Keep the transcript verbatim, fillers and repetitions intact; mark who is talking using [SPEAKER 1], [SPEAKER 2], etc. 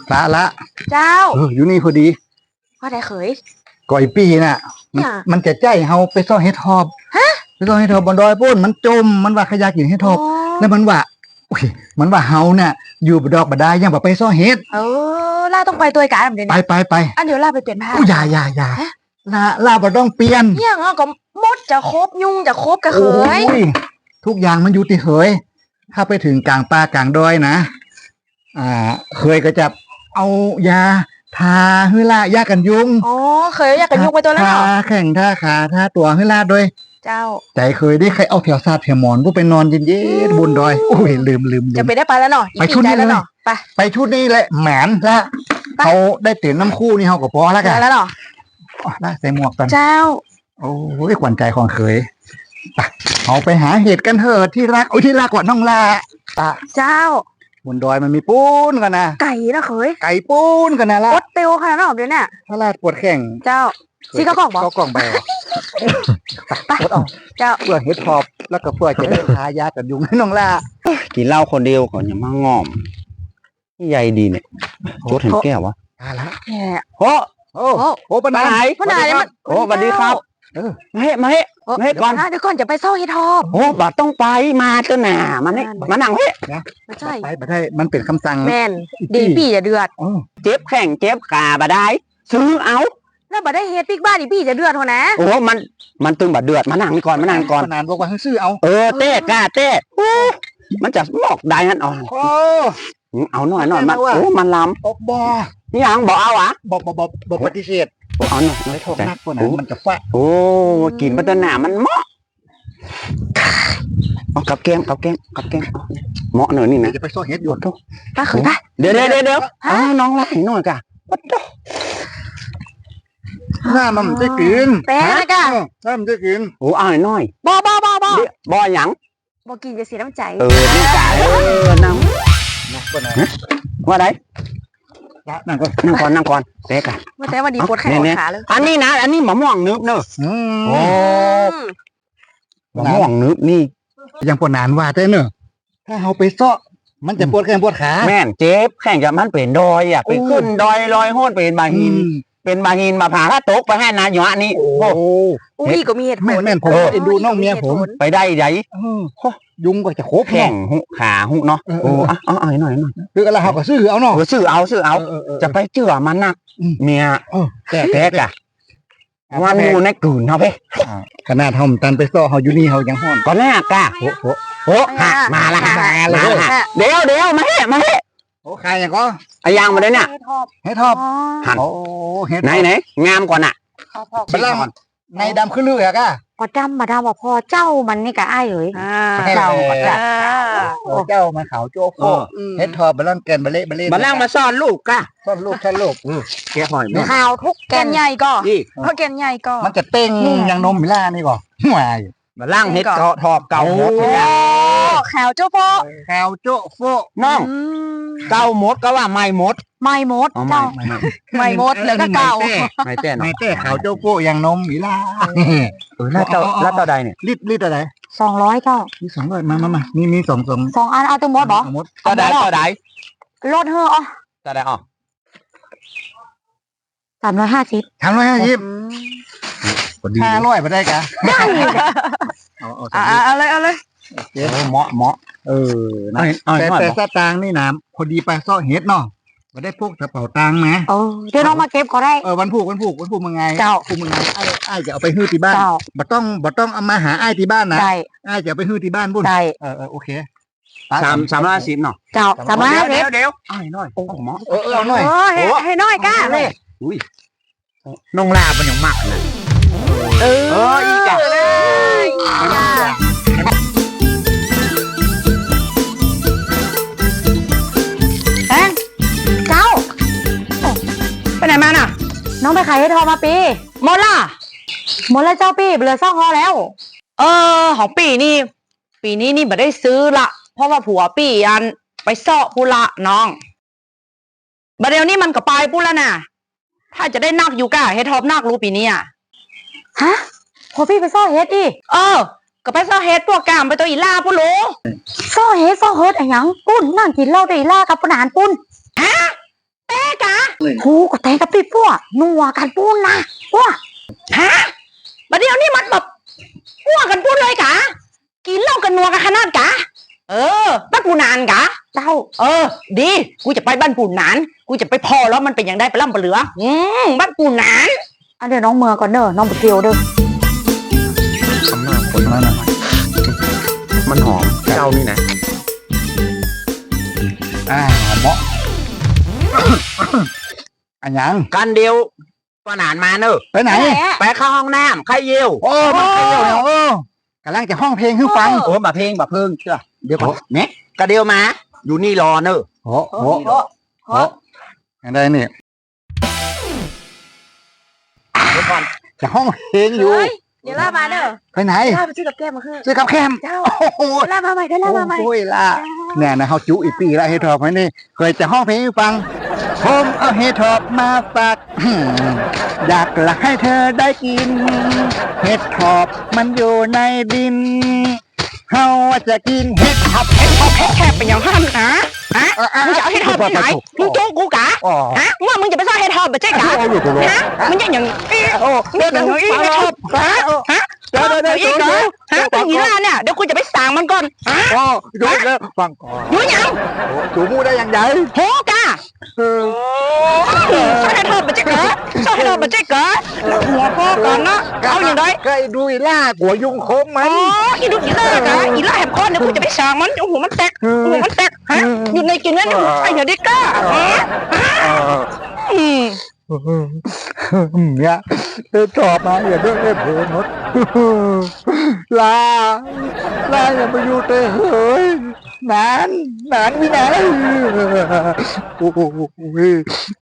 [SPEAKER 1] ละละ
[SPEAKER 2] เจ้า
[SPEAKER 1] เอออยู่นี่พอดี
[SPEAKER 2] ว่าได้เขย
[SPEAKER 1] ก่อยปีน่ะมันมันจะใจเฮาไปซ่อเฮ็ดทอบ
[SPEAKER 2] ฮะ
[SPEAKER 1] ไปซ่อเฮ็ดทอบบนดอยปุ้นมันจมมันว่าขยะกินเฮ็ดทอบแล้วมันว่าอุ้ยมันว่าเฮาเนี่ยอยู่บดอกบดายยังบ่ไปซ่อเฮ็ด
[SPEAKER 2] เออล่าต้องไปตัวการแบบนี้
[SPEAKER 1] ไปไปไป
[SPEAKER 2] อันเดี๋ยวล่าไปเปลี่ยนผ้า
[SPEAKER 1] อุ้ยอย่าอย่าอย่าลาลาบ่ต้องเปลี่ยน
[SPEAKER 2] เนี่ยงก็มดจะครบยุ่งจะครบกระเขย
[SPEAKER 1] ทุกอย่างมันอยู่ที่เขยถ้าไปถึงกลางป่ากลางดอยนะอ่าเคยก็จะเอายาทาฮือลายากันยุง
[SPEAKER 2] อ๋อเคยยากันยุงไปตัวแล้ว
[SPEAKER 1] ทาแข่งท่าขาท่าตัวฮือลาด้วย
[SPEAKER 2] เจ้า
[SPEAKER 1] ใจเคยได้ใครเอาแถวซาดแถวหมอนผู้ไปนอนเย็นๆบนดอยโอ้ยลืมลืม
[SPEAKER 2] จะไปได้ไปแล้วเนาะ
[SPEAKER 1] ไปชุดนี้
[SPEAKER 2] แล้วเนาะไป
[SPEAKER 1] ไปชุดนี้แหละแหมนละเขาได้เตียนน้ำคู่นี่เขาก็พอแล้วกัน
[SPEAKER 2] แล้วเนาะ
[SPEAKER 1] ได้ใส่หมวกกัน
[SPEAKER 2] เจ้า
[SPEAKER 1] โอ้ยขวัญใจของเคยไปเอาไปหาเห็ดกันเถอะที่รักโอ้ยที่รักกว่าน้องลาตา
[SPEAKER 2] เจ้า
[SPEAKER 1] บนดอยมันมีปูนกันนะ
[SPEAKER 2] ไก่นะเคย
[SPEAKER 1] ไก่ปูนกันนะล่ะ
[SPEAKER 2] ปวดเตียวขนาดนั้นเดี๋ยวนี้
[SPEAKER 1] ถ้าลาดปวดแข้ง
[SPEAKER 2] เจ้าซีก็กล่องบอก
[SPEAKER 1] ก็กล่องไปไปปวดเอา
[SPEAKER 2] เจ้า
[SPEAKER 1] เพื่อเห็ดทอบแล้วก็เพื่อจะได้ทายากันยุงให้น้องลา
[SPEAKER 3] กินเหล้าคนเดียวก่อนอย่ามางอมนี่ใหญ่ดีเนี่ยโจดเห็นแก้ววะ
[SPEAKER 1] ตาละ
[SPEAKER 3] โอ้
[SPEAKER 1] โอ้โอ้ปนาย
[SPEAKER 2] ปนายมัน
[SPEAKER 3] โอ้สวัสดีครับ
[SPEAKER 1] เออ
[SPEAKER 3] มาเฮ้มาเฮ้มาเฮ้ก่อน
[SPEAKER 2] เดี๋ยวก่อนจะไปซ่อเห็ดทอบ
[SPEAKER 3] โอ้บัดต้องไปมาเจ้าหน่ามันนี่มานั่งเฮ้
[SPEAKER 2] ไม่ใช่
[SPEAKER 1] ไปบัดได้มันเป็นคำสั่ง
[SPEAKER 2] แม่นดีพี่จะเดือด
[SPEAKER 3] เจ็บแข้งเจ็บขาบัดได้ซื้อเอา
[SPEAKER 2] แล้วบัดได้เฮ็ดปิ๊กบ้านอีพี่จะเดือดหัวนะ
[SPEAKER 3] โอ้มันมันตึงบัดเดือดมานั่งนี่ก่อนมานั่งก่อน
[SPEAKER 1] นานบอกว่าซื้อเอา
[SPEAKER 3] เออเต้กล้าเต้มันจะหมอกได้นั่นอ๋อเอาหน่อยหน่อยมันโอ้มันล้ำ
[SPEAKER 1] บอกบอ
[SPEAKER 3] นี่ยังบอกเอาอ่ะ
[SPEAKER 1] บอกบอกบอกบอกปฏิเสธ
[SPEAKER 3] เอาหน่อย
[SPEAKER 1] ไม่โทษนักกว่านั้นมันจะฟ้า
[SPEAKER 3] โอ้กินปัตตาหนามันเหมาะเอากับแกงกับแกงกับแกงเหมาะหน่อยนี่นะ
[SPEAKER 1] จะไปซ่อเฮ็ดอยู่
[SPEAKER 3] ทุก
[SPEAKER 2] ป้าเคยปะ
[SPEAKER 3] เดี๋ยวเดี๋ยวเดี๋ยวอ้าวน้องรักหน่อยกะวัดดอก
[SPEAKER 1] หน้ามันจะกิน
[SPEAKER 2] แต่นะกะ
[SPEAKER 1] หน้ามันจะกิน
[SPEAKER 3] โอ้เอาหน่อย
[SPEAKER 2] บ่บ่บ่บ่
[SPEAKER 3] บ่หยัง
[SPEAKER 2] บ่กินจะเสียน้ำใจ
[SPEAKER 3] เออน้ำใจเออน้ำว่าไง
[SPEAKER 1] นั่งก่อน
[SPEAKER 3] นั่งก่อนนั่งก่อนเต๊กอะ
[SPEAKER 2] ว่าแต่วันดีปวดแขนขาเลย
[SPEAKER 3] อันนี้นะอันนี้มะม่วงนึบเนอะโอ้มะม่วงนึบนี่
[SPEAKER 1] ยังปวดนานว่าแต่เนอะถ้าเราไปซ้อมันจะปวดแขนปวดขา
[SPEAKER 3] แม่นเจ็บแข้งจะมันเป็นดอยอ่ะไปขึ้นดอยลอยโหดเป็นบาหินเป็นบาหินมาผ่าถ้าตกไปให้นายหยะนี่
[SPEAKER 1] โอ้
[SPEAKER 2] อุ้ยก็มีเหตุผล
[SPEAKER 1] แม่แม่ผมเอ็นดูน้องเมียผม
[SPEAKER 3] ไปได้ใหญ่
[SPEAKER 1] ยุงก็จะโคบ
[SPEAKER 3] แข้งหุขาหุเนาะโอ้อ่ะเอาหน่อยหน่อยหน่อย
[SPEAKER 1] คืออะไรเขาก็ซื้อเอาเนาะ
[SPEAKER 3] ซื้อเอาซื้อเอาจะไปเจือมันนักเมียแต่แท้กะวันมูในกลืนเนาะเพ่
[SPEAKER 1] ขนาดทำตันไปซ้อเขาอยู่นี่เขายังห้อน
[SPEAKER 3] ก็แน่กะโอ้โหโอ้ฮะมาละมาละเดี๋ยวเดี๋ยวมาเฮ้มาเฮ้
[SPEAKER 1] โอ้ใครอย่างก็
[SPEAKER 3] ไอ้ยางมาเลยเนี่ย
[SPEAKER 1] เฮ็ดทอบ
[SPEAKER 3] หันโอ้เฮ็ดไหนไหนงามกว่าน่ะ
[SPEAKER 1] บัลลังในดำขึ้นเรือก้ะ
[SPEAKER 2] ก็ดำมาดำว่าพอเจ้ามันนี่กะอ้ายเอ๋ย
[SPEAKER 1] เจ้าเจ้ามันขาวโจ๊กเฮ็ดทอบบัลลังแกนบัลเล่บัลเล่
[SPEAKER 3] บัลลังมาซ่อนลูกก้ะ
[SPEAKER 1] ซ่อนลูกซ่อนลูกแกหอย
[SPEAKER 2] ขาวทุกแกนใหญ่ก็เพราะแกนใหญ่ก็
[SPEAKER 1] มันจะเต้งอย่างนมมิล่านี่ก่อนห่วย
[SPEAKER 3] บัลลังเฮ็ดเกาะทอบเก่าหมด
[SPEAKER 2] ขาวโจ๊โฟ
[SPEAKER 1] ขาวโจ๊โฟ
[SPEAKER 3] น้องเก่าหมดก็ว่าไม่หมด
[SPEAKER 2] ไม่หมดเจ้าไม่หมดแล้วก็เก่า
[SPEAKER 3] ไม่เต้
[SPEAKER 1] ไม่เต้ขาวโจ๊โฟอย่างนมมิล่า
[SPEAKER 3] เออแล้วเจ้าแล้วเจ้าใดเนี่ย
[SPEAKER 1] รีดรีดอะไร
[SPEAKER 2] สองร้อยเจ้า
[SPEAKER 1] มีสองร้อยมามามามีมีสองสอง
[SPEAKER 2] สองอันเอาตัวหมดเหรอ
[SPEAKER 3] เจ้าใดเจ้าใด
[SPEAKER 2] ลดเถอะอ๋อ
[SPEAKER 3] เจ้าใดอ๋อ
[SPEAKER 2] สามร้อยห้าสิบ
[SPEAKER 1] สามร้อยห้าสิบห้าร้อยไปได้กะ
[SPEAKER 2] ได้เอาเอาเลยเอาเลย
[SPEAKER 3] เหมาะเหมาะ
[SPEAKER 1] เออแต่แต่สตางค์นี่นะพอดีไปซ่อเฮ็ดเนาะมาได้พวกกระเป๋าตังค์ไหม
[SPEAKER 2] เออเดี๋ยวน้องมาเก็บก็ได้
[SPEAKER 1] เออวันผูกวันผูกวันผูกมึงไง
[SPEAKER 2] เจ้า
[SPEAKER 1] ผูกมึงไงไอ้ไอ้จะเอาไปฮื้อที่บ้านบ่ต้องบ่ต้องเอามาหาไอ้ที่บ้านนะ
[SPEAKER 2] ได้
[SPEAKER 1] ไอ้จะเอาไปฮื้อที่บ้านบุญ
[SPEAKER 2] ได้
[SPEAKER 1] เออเออโอเค
[SPEAKER 3] สามสามร้อยสิบเนาะ
[SPEAKER 2] เจ้าสามร้อยเดี๋
[SPEAKER 3] ยวเดี๋ยวไอ้น้อยโอ้หมอ
[SPEAKER 1] เออเอาหน่อย
[SPEAKER 2] ให้น้อยก้าเลย
[SPEAKER 3] อุ้ยน้องลาเป็นอย่างมากเลย
[SPEAKER 2] เออเอออีกจ้ะไปไหนมาน่ะน้องไปขายให้ทอมาปีหมดล่ะหมดแล้วเจ้าปีเหลือซ่องฮอแล้วเออของปีนี่ปีนี้นี่ไม่ได้ซื้อละเพราะว่าผัวปีอันไปเซาะพุละน้องบัดเดี๋ยวนี้มันก็ไปปุละน่ะถ้าจะได้นักอยู่ก้าเฮ็ดทอบนักรู้ปีนี้อ่ะฮะพอพี่ไปซ่อเฮ็ดอีเออก็ไปซ่อเฮ็ดพวกกามไปตัวอีล่าปุรู้ซ่อเฮ็ดซ่อเฮ็ดอะไรยังปุ้นนั่งกินเหล้าตัวอีล่ากับปนานปุ้นฮะแต่กะผูก็แตงกับพี่ปั้วนัวกันปูนนะปั้วฮะบัดเดี๋ยวนี้มันแบบปั้วกันปูนเลยกะกินเหล้ากันนัวกันขนาดกะเออบ้านปูนานกะเจ้าเออ ดีกูจะไปบ้านปูนานกูจะไปพอแล้วมันเป็นอย่างได้ไปล่ำไปเหลืออืมบ้านปูนานอันเดี๋ยวน้องเมือก่อนเด้อน้องไปเที่ยวเด้อ
[SPEAKER 3] ทำหน้าคนมากนะมันหอมเจ้านี่นะ
[SPEAKER 1] อ่าเหมาะ อันยัง
[SPEAKER 3] กันเดียวก็นานมาเนอะ
[SPEAKER 1] ไปไหน
[SPEAKER 3] ไปเข้าห้องน้ำใครเยี่ยว
[SPEAKER 1] โอ้มาเที่ยวเนี่ยโอ้กำลังจะห้องเพลงให้ฟัง
[SPEAKER 3] โอ้มาเพลงมาเพิ่งเชื่อเดี๋ยวก่อนเนี่ยกระเดียวมา อยู่นี่รอเนอะ
[SPEAKER 1] โอ้โหโอ้ยังไงนี่
[SPEAKER 3] เดี๋ยวก่อน
[SPEAKER 1] จะห้องเพลงอยู่
[SPEAKER 2] เดี๋ยวล่ามาเด้อ
[SPEAKER 1] ไปไหน
[SPEAKER 2] ล่าไปซื้อกับแก้มมาคือ
[SPEAKER 1] ซื้อกับแคม
[SPEAKER 2] เจ้า
[SPEAKER 1] โอ้โห
[SPEAKER 2] ล่ามาใหม่ได้ล่ามาใหม่
[SPEAKER 1] โอ้ยล่ะเนี่ยนะเขาจุอีปีแล้วเฮทอปไว้นี่เคยจะห้องเพลงให้ฟังผมเอาเฮทอปมาฝาก อยากหลักให้เธอได้กิน เฮทอปมันอยู่ในดินเฮาจะกินเฮทอป
[SPEAKER 2] เฮ็ดทอปเฮ็ดแคบเป็นอย่างห้ามนะฮะมึงจะเอาเฮ็ดทอปไปไหนมึงโจ้กูกะ
[SPEAKER 1] อ๋อ
[SPEAKER 2] ฮะเมื่อมึงจะไปซ่อนเฮ็ดทอปไปใช่กะ
[SPEAKER 1] เอาอยู่ตรงนี้
[SPEAKER 2] ฮะมึงจะอย่างอี
[SPEAKER 1] โอ้
[SPEAKER 2] มึงจะอย่างอีเฮ็ดทอปฮะฮะ
[SPEAKER 1] เดี๋ยวเดี๋ยวเดี๋ยว
[SPEAKER 2] อีกเหรอฮะเป็นอย่างนี้ล่ะเนี่ยเดี๋ยวกูจะไปสั่งมันก่อนฮะ
[SPEAKER 1] อ๋อดูแล้วฟังก่อน
[SPEAKER 2] อยู่ยัง
[SPEAKER 1] จูมูได้ยังไง
[SPEAKER 2] โหกะ
[SPEAKER 1] เออ
[SPEAKER 2] ซ่อนเฮ็ดทอปไปใช่กะซ่อนเฮ็ดทอปไปใช่กะหัวพ่อก่อนนะเอาอย่างไร
[SPEAKER 1] ก็ไอ้ดูอีล่าหัวยุงโคมมั
[SPEAKER 2] อ๋
[SPEAKER 1] น
[SPEAKER 2] ออีดูอีล่ากะอีล่าแหบคอนเดี๋ยวกูจะไปสั่งมันโอ้โหมันแตกโอ้โหมันแตกฮะอยู่ในกินนั่นไอ้เหี้ยดิก้าฮะอืม
[SPEAKER 1] เนี่ยเธอตอบมาอย่าเรื่องเล่เพลงหมด ลา ลาอย่าไปอยู่เตยเฮ้ยนานนานวินาโอ้โห